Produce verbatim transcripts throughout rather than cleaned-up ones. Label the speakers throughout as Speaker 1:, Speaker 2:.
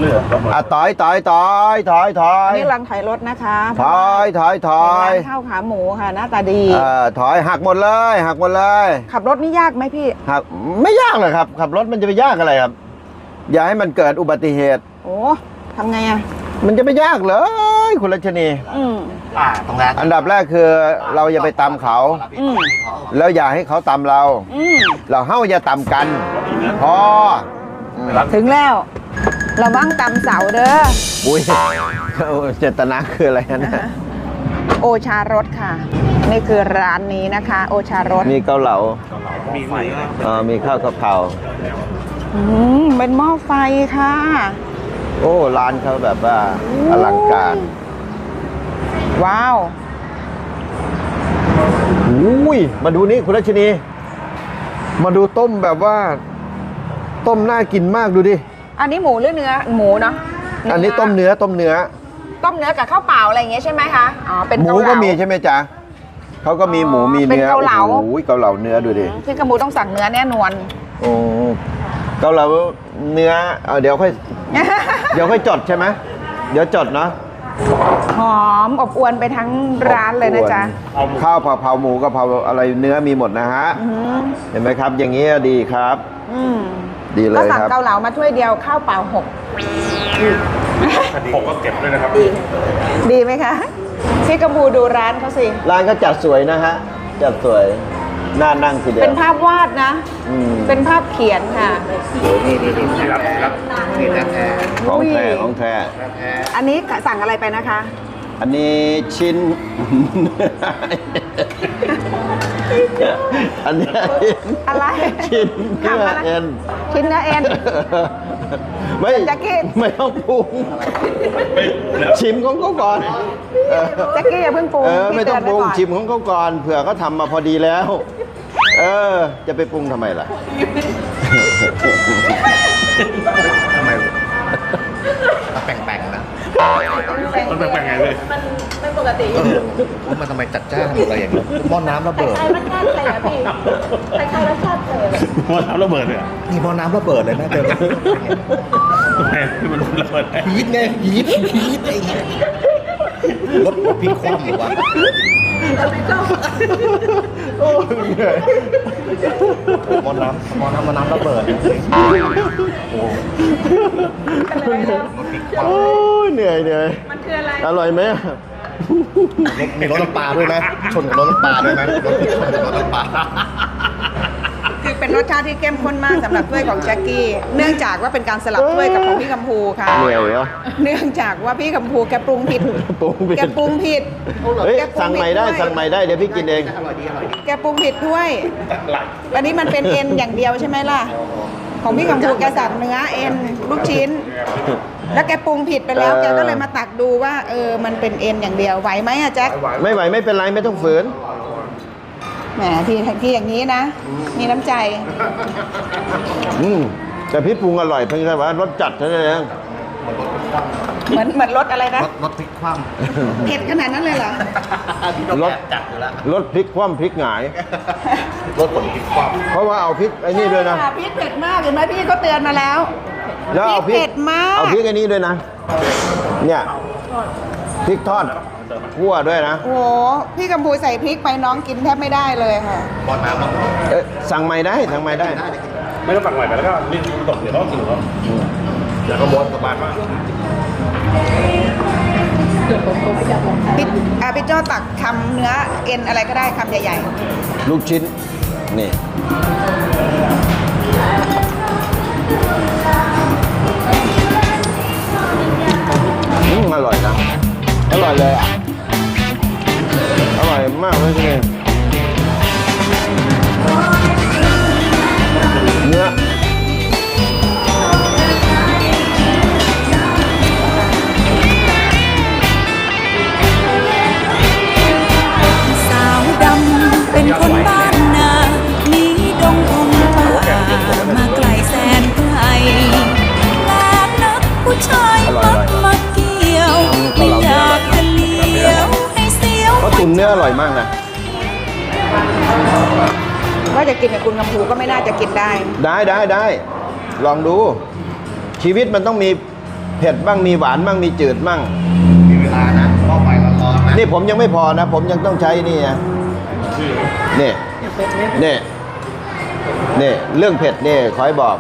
Speaker 1: อ่ะถอยถอยถอยถอยถอย
Speaker 2: นี่กำลังถอยรถนะคะ
Speaker 1: ถอยถอยถอย
Speaker 2: ร้านข้าวขาหมูค่ะหน้าตาดี
Speaker 1: เออถอยหักหมดเลยหักหมดเลย
Speaker 2: ขับรถนี่ยากไหมพี่
Speaker 1: หักไม่ยากเลยครับขับรถมันจะไปยากอะไรครับอย่าให้มันเกิดอุบัติเหตุ
Speaker 2: โอ้ทำไงอ่ะ
Speaker 1: มันจะไม่ยากเลยคุณรัชนี
Speaker 2: อืม
Speaker 3: อ่าตรงนั้น
Speaker 1: อันดับแรกคือเราอย่าไปตามเขา
Speaker 2: อืม
Speaker 1: แล้วอย่าให้เขาตามเรา
Speaker 2: อืม
Speaker 1: เราเฮ้าอย่าตามกันพอ
Speaker 2: ถึงแล้วเราบ้างตำเสาเด้อ
Speaker 1: อุ้ยเจตนาคืออะไรนะ
Speaker 2: โอชารสค่ะนี่คือร้านนี้นะคะโอชารส
Speaker 1: มีเกาเหลา
Speaker 3: มีไฟ
Speaker 1: อ่ามีข้าวกะเพรา
Speaker 2: อืมเป็นหม้อไฟค่ะ
Speaker 1: โอ้ร้านเขาแบบว่าอลังการ
Speaker 2: ว้าว
Speaker 1: อุ้ยมาดูนี่คุณรัชนีมาดูต้มแบบว่าต้มน่ากินมากดูดิ
Speaker 2: อันนี้หมูหรือเนื้อหมูเนาะ
Speaker 1: อันนี้ต้มเนื้อต้มเนื้อ
Speaker 2: ต้มเนื้อกับข้าวเปล่าอะไรอย่างเงี้ยใช่ไหมคะอ๋อเป็น
Speaker 1: หมูก็มีใช่ไหมจ๊ะเขาก็มีหมูมีเนื้อ
Speaker 2: เกาเหลา
Speaker 1: โอ้ยเกาเหลาเนื้อดูดิ
Speaker 2: พี่กระมูต้องสั่งเนื้อแน่นอน
Speaker 1: โอ้เกาเหลาเนื้อเดี๋ยวค่อยเดี๋ยวค่อยจดใช่ไหมเดี๋ยวจดเนาะ
Speaker 2: หอมอบอวนไปทั้งร้านเลยนะจ๊ะ
Speaker 1: ข้าวผัดเผาหมูกะเพราอะไรเนื้อมีหมดนะฮะเห็นไหมครับอย่างนี้ดีครับดีเลยครับก็
Speaker 2: สั่งเกาเหลามาถ้วยเดียวข้าวเปล่าหก
Speaker 3: ผมก็เก็บด้วยนะครับ
Speaker 2: ดีดีไหมคะพี่กระมูดูร้านเขาสิ
Speaker 1: ร้านก็จัดสวยนะฮะจัดสวยน่านั่งทีเดียว
Speaker 2: เป็นภาพวาดนะเป็นภาพเขียนค่ะ
Speaker 3: นี่นี่นี่ครับครับนี่แท้
Speaker 1: ของแท้ของแท้
Speaker 2: อันนี้สั่งอะไรไปนะคะ
Speaker 1: อันนี้ชิ้นอันนี้
Speaker 2: อะไร
Speaker 1: ชิ้นเนื้อเอ็น
Speaker 2: ชิ้นเนื้อเอ็น
Speaker 1: ไม่ไม่ต้องปรุงชิมของเขาก่อน
Speaker 2: แจ็คกี้อย่าเพิ่งปรุง
Speaker 1: ไม่ต้องปรุงชิมของเขาก่อนเผื่อเขาทำมาพอดีแล้วเออจะไปปรุงทำไมล่ะ
Speaker 3: ทำไมแป่งๆนะมันแป่งๆไงเลย
Speaker 4: มันไม่ปกติ
Speaker 3: มันทำไมจัดจ้านอะไรอย่างเงี้ยหม้อน้ำระเบิด
Speaker 4: ใครมันแน่นเลยอะพี่ใครๆรสชาติเลย
Speaker 3: หม้อน้ำระเบิดเลยนี่หม้อน้ำระเบิดเลยนะเจอทำไมมันระเบิดยีดไงยีดยีดไอ้รถพลิกคว่ำหรือวะ
Speaker 1: โอ้เหนื่อย
Speaker 3: หม้อน้ำหม้อน้ำหม้อน้ำระเบิด
Speaker 1: โอ้เหนื่อยเหนื่อย
Speaker 4: มันคืออะไร
Speaker 1: อร่อยไหม
Speaker 3: มีรสน้ำปลาด้วยนะชนกับรสน้ำปลาด้วยนะรสชนกับรสน้ำปลา
Speaker 2: คือเป็นรสชาติที่เข้มข้นมากสำหรับถ้วยของแจ็คกี้เนื่องจากว่าเป็นการสลับถ้วยกับของพี่กัมพูค่ะ
Speaker 1: เหนื่อยเหรอ
Speaker 2: เนื่องจากว่าพี่กัมพูแกปรุงผิดแกปรุงผิด
Speaker 1: เฮ้ยสั่งใหม่ได้สั่งใหม่ได้เดี๋ยวพี่กินเอง
Speaker 2: แกปรุงผิดด้วยอันนี้มันเป็นเอ็นอย่างเดียวใช่ไหมล่ะของพี่กัมพูแกสั่งเนื้อเอ็นลูกชิ้นแล้วแกปรุงผิดไปแล้วแกก็เลยมาตักดูว่าเออมันเป็นเอ็นอย่างเดียวไหวไหมอะแจ็ค
Speaker 1: ไม่ไหวไม่เป็นไรไม่ต้องฝืน
Speaker 2: แหมพี่พี่อย่างนี้นะมีน้ำใจ
Speaker 1: อืมแต่พี่ปรุงอร่อยเพียงแค่ว่ารสจัดเท่านั้นเอง
Speaker 2: เหมือนเหมือนรสอะไรนะ
Speaker 3: รสพริกคว่
Speaker 2: ำเผ็ดขนาดนั้นเลยเหรอ
Speaker 1: รสจัดอยู่แล้วรสพริกคว่ำพริกหงาย
Speaker 3: รสผลพริกคว่
Speaker 1: ำเพราะว่าเอาพริกไอ้นี่ด้วยนะ
Speaker 2: พริกเผ็ดมากเห็นไหมพี่เขาเตือนมาแล้ว
Speaker 1: แล้วเอาพริกเผ็ดมากเอาพริกไอ้นี่ด้วยนะเนี่ยพริกทอดคั่วด้วยนะ
Speaker 2: โอ้พี่กัมพูใส่พริกไปน้องกินแทบไม่ได้เลยค่ะ
Speaker 3: บอลน้ำ
Speaker 1: เอ๊ะสั่งใหม่ได้สั่งใหม่ได้
Speaker 3: ไม่ต้องสั่งใหม่ไปแล้วก็นี่ตกเดี๋ยวต้องกินเขาแล้วก็ม้วนสบายมาก
Speaker 2: พี่อาพี่โจ้ตักคำเนื้อเอ็นอะไรก็ได้คำใหญ่
Speaker 1: ๆลูกชิ้นนี่อืมอร่อยนะอร่อยเลยอ่ะอร่อยมากเลยทีเดียวเนื้อ
Speaker 5: สาวดำเป็นคนบ้านนาหนีดงพงป่ามาไกลแสนไกลแลกนักผู้ชายมักมาเกี่ยวไม่อยากจะเลี้ยวให้เสียว
Speaker 1: เขาตุ๋นเนื้ออร่อยมากนะ
Speaker 2: ว่าจะกินกับคุณกัมพูก็ไม่น่าจะกินได้
Speaker 1: ได้ได้ได้ลองดูชีวิตมันต้องมีเผ็ดบ้างมีหวานบ้างมีจืดบ้าง
Speaker 3: มีเวลานะหม้อไฟร้อนๆนะ
Speaker 1: นี่ผมยังไม่พอนะ ผมยังต้องใช้นี่นะนี่นี่นี่เรื่องเผ็ดนี่ขอให้บอก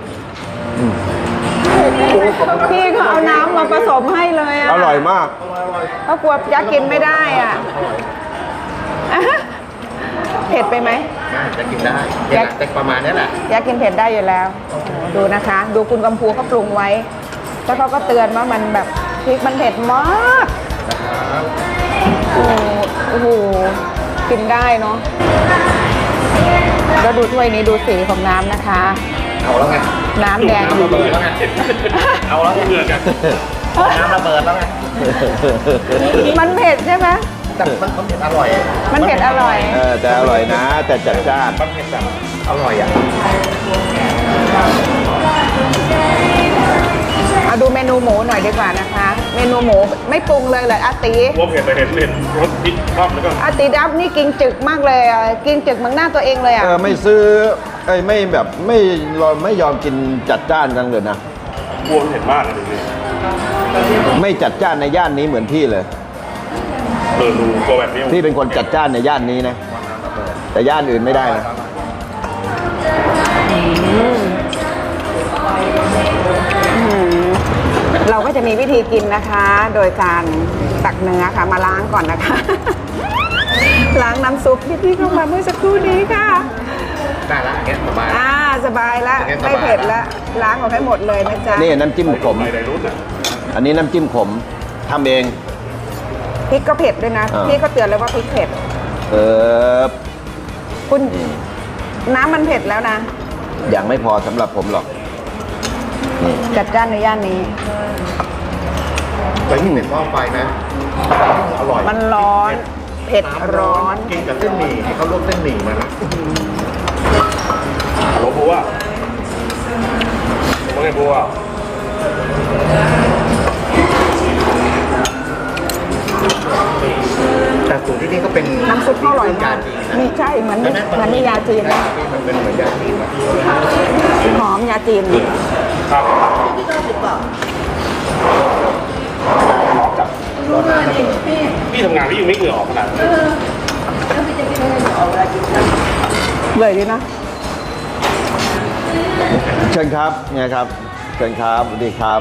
Speaker 2: พี่เขาเอาน้ำมาผสมให้เลยอ่ะ
Speaker 1: อร่อยมาก
Speaker 2: เพราะกลัวยักษ์กินไม่ได้อ่ะอ่ะเผ็ดไปไหม
Speaker 3: ได้จะกินได้เนี่ยแหละแต่ประมาณนี้แหละ
Speaker 2: ยักษ์กินเผ็ดได้อยู่แล้วโอ้โหดูนะคะ ดูคุณกำพูเขาปรุงไว้ แล้วเขาก็เตือนว่ามันแบบพริกมันเผ็ดมากโอ้โหโอ้โหกินได้เนาะแล้วดูถ้วยนี้ดูสีของน้ำนะคะ
Speaker 3: เอาแล้วไง
Speaker 2: น้ำแดง
Speaker 3: น้ำระเบิดแล้วไงเอาแล้วไงเดือดกันน้ำระเบิดแล้วไง
Speaker 2: มันเผ็ดใช่ไหม
Speaker 3: แต่มันมันเผ็ดอร่อย
Speaker 2: มันเผ็ดอร่อย
Speaker 1: เออแต่อร่อยนะ แต่จัดจ้าน
Speaker 3: มันเผ็ดแบบอร่อยอ่ะ
Speaker 2: เอาดูเมนูหมูหน่อยดีกว่านะคะ เมนูหมูไม่ปรุงเลยเลยอาตี
Speaker 6: ว่าเผ็ดแต่เห็นเห็นรสพริกชอบแล้วก็
Speaker 2: อาตีดับนี่กินจึกมากเลยอ่ะกินจึกเหมือนหน้าตัวเองเลยอ่ะ
Speaker 1: เออไม่ซื้อไอ้ยไม่แบบไม่รอไม่ยอมกินจัดจ้านกันเลยนะ
Speaker 6: กลัวมันเผ็ดมากเลยทีนี้
Speaker 1: ไม่จัดจ้านในย่านนี้เหมือนพี่เลย
Speaker 6: เออดูกลัวแบบนี้
Speaker 1: พี่เป็นคนจัดจ้านในย่านนี้นะ แต่ย่านอื่นไม่ได้นะ
Speaker 2: เราก็จะมีวิธีกินนะคะ โดยการตักเนื้อค่ะมาล้างก่อนนะคะ ล้างน้ำซุปที่พี่เข้ามาเมื่อสักครู่นี้ค่ะ
Speaker 3: ได้ละอย่างเงี้ยประมาณ
Speaker 2: อ่าสบายละ
Speaker 3: โอเคสบาย
Speaker 2: ไม่เผ็ดละล้างออกให้หมมดเลยนะจ๊ะ
Speaker 1: นี่น้ำจิ้มขม
Speaker 6: ไปในรุ่นอ่ะ
Speaker 1: อันนี้น้ำจิ้มขมทำเอง
Speaker 2: พริกก็เผ็ดด้วยนะ
Speaker 1: อ่า
Speaker 2: พี่ก็เตือนเลยว่าพริกเผ็ด
Speaker 1: เออ
Speaker 2: คุณน้ำมันเผ็ดแล้วนะ
Speaker 1: อย่างไม่พอสำหรับผมหรอก
Speaker 2: จัดจ้านในย่านนี้
Speaker 3: ไปที่เป็นหม้อไฟนะอร่อย
Speaker 2: มันร้อน เผ็ดร้อน
Speaker 3: กินกับเส้นหมี่ให้เขาลวกเส้นหมี่มานะ
Speaker 6: หลวงปู่ว่าว่าไงปู่ว่า
Speaker 3: แต่สูตรที่นี่ก็เป็น
Speaker 2: น้ำซุปเขาอร่อยมาก
Speaker 3: มี
Speaker 2: มีใช่เหมือนเหมือนในยาจีนนะ
Speaker 3: มันเป็นเหมือนยาจีนนะ
Speaker 2: หอมยาจีน
Speaker 6: ครับ
Speaker 3: ร้อนน้ำระเบิด
Speaker 6: พี่ทำงานพี่ยังไม่เหงื่อออกขนาดนั้น
Speaker 2: เลยดีนะ
Speaker 1: เชิญครับเนี่ยครับ เชิญครับสวัสดีครับ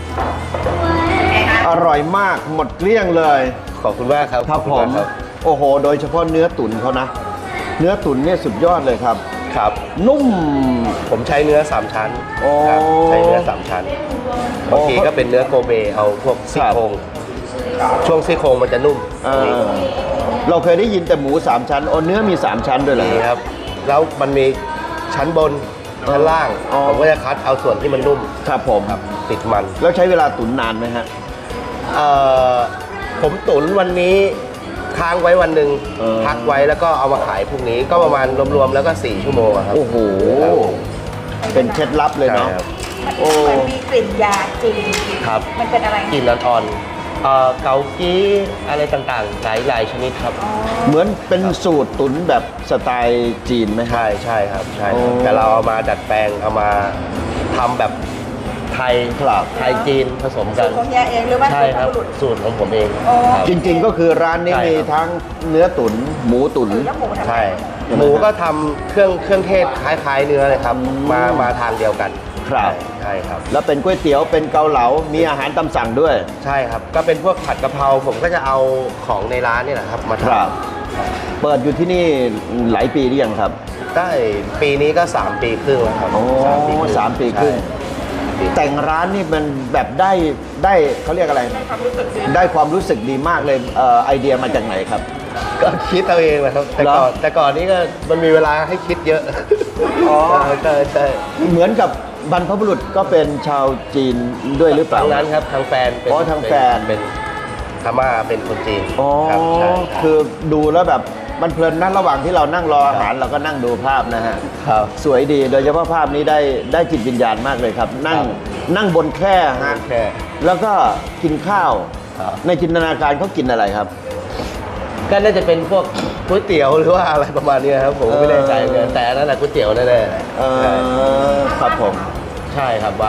Speaker 1: อร่อยมากหมดเกลี้ยงเลย
Speaker 3: ขอบคุณมากครับ
Speaker 1: ครับผมโอ้โห โดยเฉพาะเนื้อตุ๋นเขานะ เนื้อตุ๋นเนี่ยสุดยอดเลยครับ
Speaker 3: ครับ
Speaker 1: นุ่ม
Speaker 3: ผมใช้เนื้อสามชั้น
Speaker 1: โอ้
Speaker 3: ครับใช้เนื้อสามชั้นบางทีก็เป็นเนื้อโกเบเอาพวกซี่โครงช่วงซี่โครงมันจะนุ่ม
Speaker 1: เออเราเคยได้ยินแต่หมูสามชั้นโอ้เนื้อมีสามชั้นด้วยเหรอ
Speaker 3: นี่ครับ แล้วมันมีชั้นบนชั้นล่าง
Speaker 1: อ๋อ
Speaker 3: ผมก็จะคัดเอาส่วนที่มันนุ่ม
Speaker 1: ครับผม
Speaker 3: ติดมัน
Speaker 1: แล้วใช้เวลาตุ๋นนานไหมฮะ
Speaker 3: เอ่อผมตุ๋นวันนี้ค้างไว้วันหนึ่ง
Speaker 1: เออ
Speaker 3: พักไว้แล้วก็เอามาขายพรุ่งนี้ก็ประมาณรวมๆแล้วก็สี่ชั่วโมงอะครับ
Speaker 1: โอ้โห เป็นเคล็ดลับเลยเนาะ
Speaker 3: ใช่ครับ
Speaker 1: โอ้
Speaker 2: มันมีกลิ่นยาจีน
Speaker 3: ครับ
Speaker 2: มันเป็นอะไร
Speaker 3: กลิ่นอ่อนๆเอ่อเกากี้อะไรต่างๆหลายหลายชนิดครับ
Speaker 1: เหมือนเป็นสูตรตุ๋นแบบสไตล์จีนไหมฮะ
Speaker 3: ใช่ใช่ครับใช่ครับ
Speaker 1: โอ้
Speaker 3: แต่เราเอามาดัดแปลงเอามาทำแบบไทย
Speaker 1: ครับ
Speaker 3: ไทยจีนผสมกัน
Speaker 2: ของยาเองหรือว่า
Speaker 3: ใช่ครับ
Speaker 2: สูตร
Speaker 3: สูตรของผมเอง
Speaker 2: อ๋อ
Speaker 3: ครับ
Speaker 1: จริงๆก็คือร้านนี้
Speaker 3: ใช่
Speaker 1: มี
Speaker 3: ครับ
Speaker 1: ทั้งเนื้อตุ๋นหมูตุ๋น
Speaker 2: แล้วหมูทำไง
Speaker 3: ใช่ หมูก็ทำเครื่องเครื่องเทศคล้ายๆเนื้อเลยครับ มามาทางเดียวกัน
Speaker 1: ครับ
Speaker 3: ใช่ครับ
Speaker 1: แล้วเป็นก๋วยเตี๋ยวเป็นเกาเหลา มีอาหารตามสั่งด้วย
Speaker 3: ใช่ครับ ก็เป็นพวกผัดกะเพราผมก็จะเอาของในร้านนี่แหละครับมาท
Speaker 1: ครับ เปิดอยู่ที่นี่หลายปีหรือยังครับ
Speaker 3: ำได้ปีนี้ก็ สาม ปีครึ่งแล้วครับ
Speaker 1: โอ้
Speaker 3: สามปีครึ่ง
Speaker 1: สามปีครึ่ง
Speaker 3: ใช่
Speaker 1: แต่งร้านนี่มันแบบได้ได้เขาเรียกอะไร ได้ความรู้สึกดีมากเลยเอ่อไอเดียมาจากไหนครับ
Speaker 3: ก็คิดเอาเองแหละครับ แต่ก่อน
Speaker 1: เหรอ
Speaker 3: แต่ก่อนนี้ก็มันมีเวลาให้คิดเยอะ
Speaker 1: อ๋อ
Speaker 3: ใช่ใช่
Speaker 1: เหมือนกับบรรพบุรุษก็เป็นชาวจีนด้วยหรือเปล่า
Speaker 3: ทางนั้นครับทางแฟนเป็น
Speaker 1: อ๋อทางแฟน
Speaker 3: เป็นพม่าเป็นคนจีน
Speaker 1: อ๋อ
Speaker 3: ครับใช่
Speaker 1: คือดูแล้วแบบมันเพลินนะระหว่างที่เรานั่งรออาหารเราก็นั่งดูภาพนะฮะ
Speaker 3: ครับ
Speaker 1: สวยดีโดยเฉพาะภาพนี้ได้ได้จิตวิญญาณมากเลยครับ นั่ง
Speaker 3: ครับ
Speaker 1: นั่งบนแคร่ฮะ
Speaker 3: แค่
Speaker 1: แล้วก็กินข้าว
Speaker 3: ครับ
Speaker 1: ในจินตนาการเขากินอะไรครับ
Speaker 3: ก็น่าจะเป็นพวกก๋วยเตี๋ยวหรือว่าอะไรประมาณนี้ครับผมก็ไม่แน่ใจเหมือนกันแต่อันนั้นแหละก๋วยเตี๋ยวแน่ๆ
Speaker 1: เออครับผม
Speaker 3: ใช่ครับว่า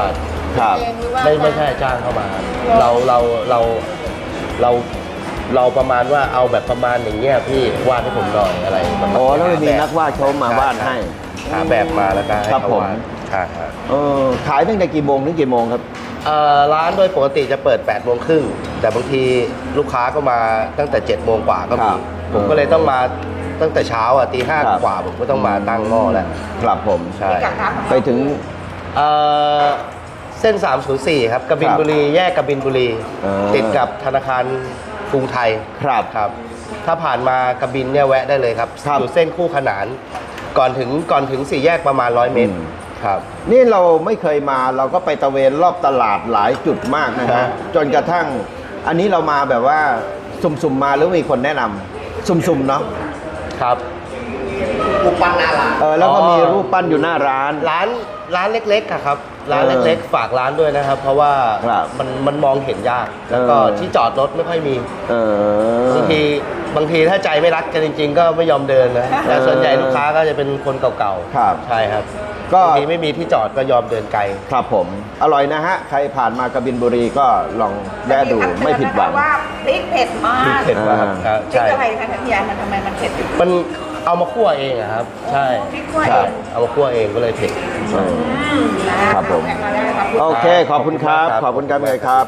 Speaker 1: ครับ
Speaker 2: เองหรือว่า
Speaker 7: ไม่ไม่ใช่จ้างเข้ามา เราเราเราเราเราประมาณว่าเอาแบบประมาณอย่างเงี้ยพี่วาดให้ผมหน่อยอะไรประมาณ
Speaker 1: อ๋อแล้วมี
Speaker 7: หาบบ
Speaker 1: นักวาดเขามาวาดให้
Speaker 7: หาแบบมาแล้วก็ให้
Speaker 1: ครับ
Speaker 7: เขา
Speaker 1: ผม
Speaker 7: วาดใช่ครับ
Speaker 1: เออขายตั้งแต่กี่โมงถึงกี่โมงครับ
Speaker 7: เอ่อร้านโดยปกติจะเปิด8ปดโมงครึ่งแต่บางทีลูกค้าก็มาตั้งแต่7จ็ดโมงกว่าก็
Speaker 1: ค
Speaker 7: มี
Speaker 1: รับ
Speaker 7: ผมก็เลยต้องมาตั้งแต่เช้าอ่ะตีห้า
Speaker 1: ครับ
Speaker 7: กว่าผมก็ต้องมาตั้งหม้อแล้ว
Speaker 1: ครับผม
Speaker 7: ใช่
Speaker 2: พิกัดร้านของ
Speaker 1: ไป
Speaker 2: เรา
Speaker 1: ถึง
Speaker 7: เอ่อเส้น สามศูนย์สี่ ครับกบินบุรีแยกกบินบุรี
Speaker 1: เออ
Speaker 7: ติดกับธนาคารกรุงไทย
Speaker 1: ครับ
Speaker 7: ครับ ถ้าผ่านมากบินเนี่ยแวะได้เลยครับ
Speaker 1: ครับ
Speaker 7: อยู่เส้นคู่ขนาน ก่อนถึงก่อนถึงสี่แยกประมาณร้อยเมตร
Speaker 1: อืม
Speaker 7: ครับ
Speaker 1: นี่เราไม่เคยมาเราก็ไปตะเวนรอบตลาดหลายจุดมากนะ
Speaker 7: ครั
Speaker 1: ฮะ
Speaker 7: บ
Speaker 1: จนกระทั่ง อันนี้เรามาแบบว่าสุ่มๆมาหรือมีคนแนะนำสุ่มๆเนาะ
Speaker 7: ครับ
Speaker 1: เออแล้วก็
Speaker 7: อ๋อ
Speaker 1: มีรูปปั้นอยู่หน้าร้าน
Speaker 7: ร้านร้านเล็กๆอะครับ ร้าน
Speaker 1: เออ
Speaker 7: เล็กๆ ฝากร้านด้วยนะครับ เพราะว่า
Speaker 1: ครับ
Speaker 7: มันมันมองเห็นยาก แล้วก็
Speaker 1: เออ
Speaker 7: ที่จอดรถไม่ค่อยมี
Speaker 1: เออบ
Speaker 7: างทีบางทีถ้าใจไม่รักกันจริง ๆ ก็ไม่ยอมเดินนะแต่ส่วนใหญ่ลูกค้าก็จะเป็นคนเก่าๆ
Speaker 1: ครับ
Speaker 7: ใช่ครับ
Speaker 1: ก็
Speaker 7: บางทีไม่มีที่จอดก็ยอมเดินไกล
Speaker 1: ครับผม อร่อยนะฮะ ใครผ่านมากบินบุรีก็ลองแวะดูไม่ผิดหวัง
Speaker 2: ว่าพริกเผ็ดมาก
Speaker 7: พริกเผ็ดมาก
Speaker 1: อ่า
Speaker 7: ครับ
Speaker 2: พริก
Speaker 7: ใช่
Speaker 2: อะไรคะท่านยายมันทำไมมันเผ็ด
Speaker 7: มันเอามาคั่วเองอะครับ ใช่
Speaker 2: พริกคั่ว
Speaker 1: ค
Speaker 2: เอ
Speaker 1: รับ
Speaker 2: ง
Speaker 7: เอามาคั่วเองก็เลยเผ็ด
Speaker 1: เออ
Speaker 2: อืมนะครับ
Speaker 1: ผม
Speaker 2: แพ็คมาได้ครับ
Speaker 1: โอเค ขอบคุณครับ
Speaker 7: ข
Speaker 1: ข
Speaker 7: อ
Speaker 1: อ
Speaker 7: บบ คุ
Speaker 1: คุณ ณ
Speaker 7: ค
Speaker 1: ค
Speaker 7: รั
Speaker 1: รับ บเลยครับ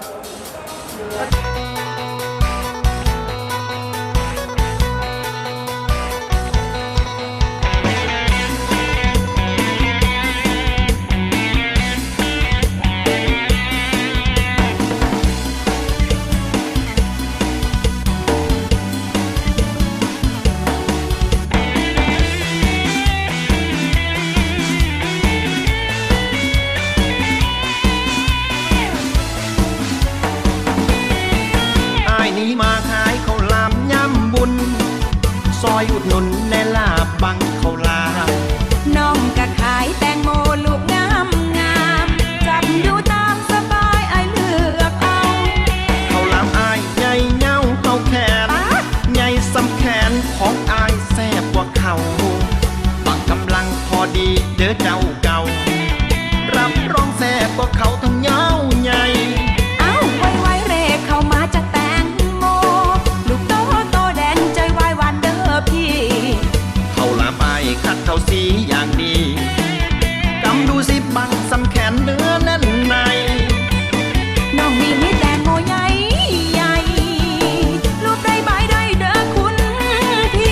Speaker 8: อายนี้มาขายข้าวหลามย่ำบุญ ซอยอุดหนุนในลาบบังข้าวหลาม
Speaker 5: น้องก็ขายแตงโมลูกงามงามจับดูตามสบายไอายเลือกเอา
Speaker 8: ข้าวหลามอายใหญ่เง่าเท่าแขน ใหญ่สำแขนของอายแซ่บกว่าเขาบังกำลังพอดีเด้อเจ้าเก่า รับรองแซ่บกว่าเขาทั้งเงาใหญ่
Speaker 5: เอ้าไวไวๆเรกเข้ามาจากแตงโม ลูกโตโตแดงใจวายหวานเด้อพี่
Speaker 8: ข้าวหลามอายคัดเข้าสีอย่างดีกำดูสิบังสำแขนเนื้อแน่นใน
Speaker 5: น้องนี่มีแตงโมใหญ่ใหญ่ลูกได้ใบได้เด้อคุณพี่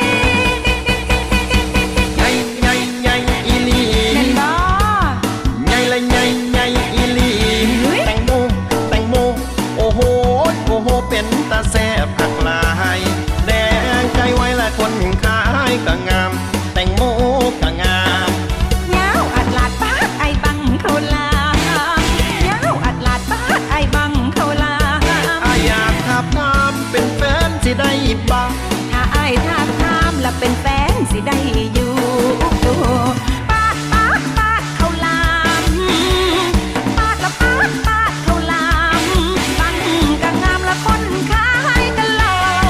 Speaker 8: ใหญ่ใหญ่ใหญ่อีหลี
Speaker 5: แม่นบ่
Speaker 8: ใหญ่ละใหญ่ใหญ่อีหลี
Speaker 5: เฮ้ย
Speaker 8: แตงโมแตงโมโอ้โหโอ้โหเป็นตาแซ่บผักหลายแดงใจไว้ละคนขายก็งาม แตงโมก็งาม
Speaker 5: ยาวอัดลาดปาดไอบังเขาลายาวอัดลาดปาดไอบังเขาลา
Speaker 8: อายอยากทับน้ำเป็นแฟนสิได้